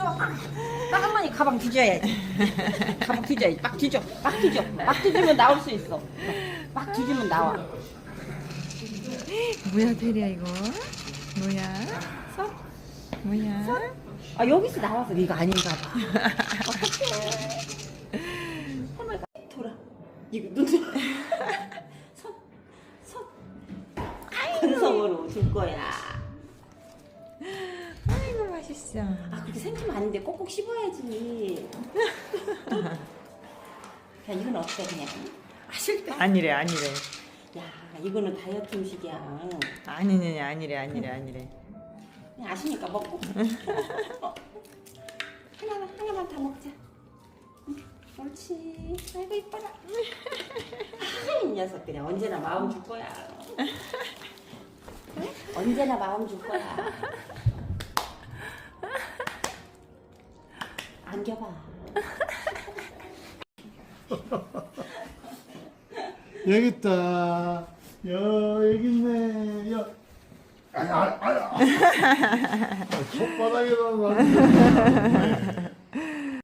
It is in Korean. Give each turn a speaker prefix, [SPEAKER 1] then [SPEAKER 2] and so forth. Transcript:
[SPEAKER 1] 딱 한 번에 가방 뒤져야지. 가방 뒤져야지. 막 뒤져. 막 뒤져. 막 뒤지면 나올 수 있어. 막 뒤지면 나와.
[SPEAKER 2] 뭐야 테리야 이거? 뭐야?
[SPEAKER 1] 서?
[SPEAKER 2] 뭐야?
[SPEAKER 1] 아 여기서 나와서 이거 아닌가 봐. 어떡해. 할머니가 돌아. 이거 눈. 손. 손. 건성으로 줄 거야.
[SPEAKER 2] 아이고 맛있어.
[SPEAKER 1] 아 그렇게 생기면 안 돼. 꼭꼭 씹어야지. 야 이건 어때 그냥? 아 실패.
[SPEAKER 2] 아니래.
[SPEAKER 1] 야 이거는 다이어트 음식이야.
[SPEAKER 2] 아니래.
[SPEAKER 1] 그냥 아시니까 먹고. 하나만 다 먹자. 응, 옳지. 아이고 이뻐라. 이 녀석 그냥 언제나 마음 줄 거야. 응? 언제나 마음 줄 거야. 안겨봐.
[SPEAKER 3] 여기 있다. 여기 있네. 아야. 손바닥에다 놨네.